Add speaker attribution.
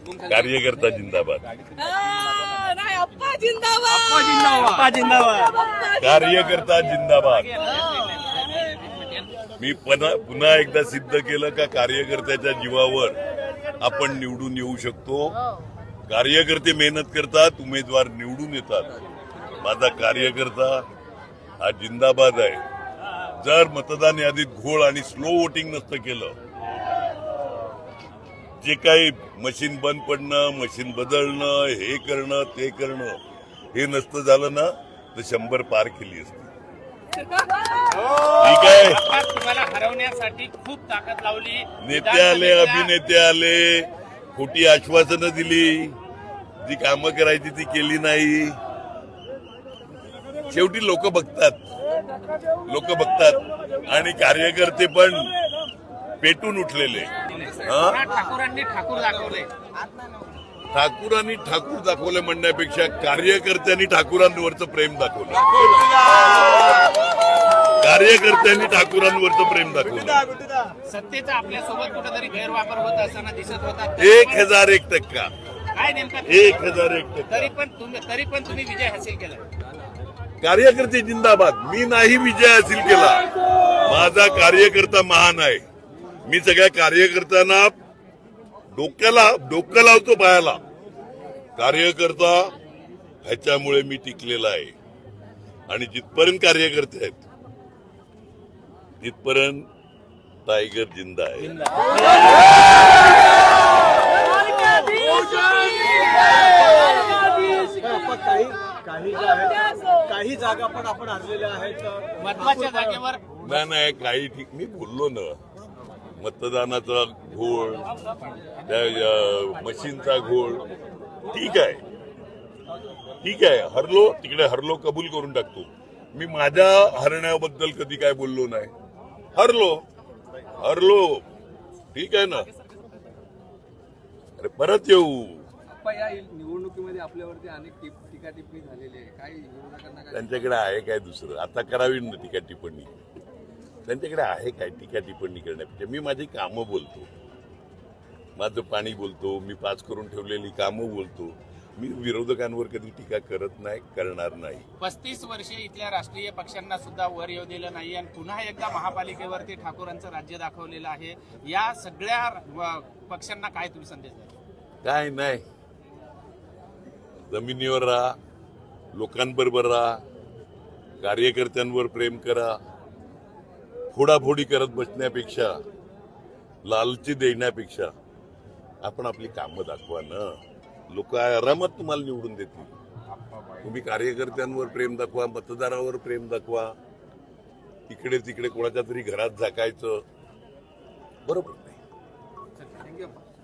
Speaker 1: कार्यकर्ता जिंदाबाद,
Speaker 2: नाही अप्पा जिंदाबाद,
Speaker 1: कार्यकर्ता जिंदाबाद। मी पुन्हा एकदा सिद्ध केलं का कार्यकर्त्याच्या जीवावर आपण निवडून येऊ शकतो। कार्यकर्ते मेहनत करतात, उमेदवार निवडून येतात। माझा कार्यकर्ता हा जिंदाबाद आहे। जर मतदान यादीत घोळ आणि स्लो वोटिंग नसतं केलं, जे काही मशीन बंद पडणं, मशीन बदलणं, हे करणं ते करणं, हे नसतं झालं ना तर 100 पार केली असती। ठीक आहे,
Speaker 3: तुम्हाला हरवण्यासाठी खूप ताकद लावली,
Speaker 1: नेते आले, अभिनेते आले, खोटी आश्वासनं दिली, जी कामं करायची ती केली नाही। शेवटी लोक बघतात आणि कार्यकर्ते पण पेटून उठलेले।
Speaker 3: ठाकूरांनी ठाकूर दाखवले,
Speaker 1: ठाकूरांनी ठाकूर दाखवले म्हणण्यापेक्षा कार्यकर्त्यांनी ठाकूरांवरचं प्रेम दाखवलं। कार्यकर्त्यांनी ठाकूरांवरचं प्रेम दाखवलं।
Speaker 3: सत्तेचा आपल्यासोबत कुठेतरी गैरवापर होत असताना दिसत होता।
Speaker 1: 1001%,
Speaker 3: काय नेमकं
Speaker 1: 1001%।
Speaker 3: तरी पण तुम्ही विजय हासिल केला।
Speaker 1: कार्यकर्ते जिंदाबाद। मी नाही विजय हासिल केला, माझा कार्यकर्ता महान आहे। मी सगळ्या कार्यकर्त्यांना डोकं लावतो पायाला। कार्यकर्ता ह्याच्यामुळे मी टिकलेला आहे आणि जिथपर्यंत कार्यकर्ते आहेत तिथपर्यंत टायगर जिंदा आहे।
Speaker 4: काही जागा पण आपण हरलेल्या आहेत
Speaker 3: महत्वाच्या जागेवर।
Speaker 1: नाही, काही ठीक मी बोललो ना, मतदानाचा घोळ, मशीनचा घोळ, ठीक आहे, हरलो कबूल करून टाकतो। मी माझ्या हरण्याबद्दल कधी काय बोललो नाही। हरलो ठीक आहे ना, अरे परत येऊ।
Speaker 4: या निवडणुकीमध्ये आपल्यावरती अनेक टीका टिप्पणी झालेली आहे, काही विरोधकांना
Speaker 1: त्यांच्याकडे आहे काय दुसरं? आता करावी ना टीका टिप्पणी, त्यांच्याकडे आहे काय टीका टिप्पणी करण्यापेक्षा? मी माझी कामं बोलतो, माझं पाणी बोलतो, मी पास करून ठेवलेली कामं बोलतो। मी विरोधकांवर कधी टीका करत नाही, करणार नाही।
Speaker 3: 35 वर्षे इथल्या राष्ट्रीय पक्षांना सुद्धा वर येऊ दिलं नाही आणि पुन्हा एकदा महापालिकेवरती ठाकूरांचं राज्य दाखवलेलं आहे। या सगळ्या पक्षांना काय तुम्ही संदेश द्याल?
Speaker 1: काय नाही, जमिनीवर राहा, लोकांबरोबर राहा, कार्यकर्त्यांवर प्रेम करा। फोडाफोडी करत बसण्यापेक्षा, लालची देण्यापेक्षा आपण आपली कामं दाखवा ना। लोक आरामात तुम्हाला निवडून देतील। तुम्ही कार्यकर्त्यांवर प्रेम दाखवा, मतदारावर प्रेम दाखवा। इकडे तिकडे कोणाच्या तरी घरात झाकायचं बरोबर नाही।
Speaker 4: थँक्यू।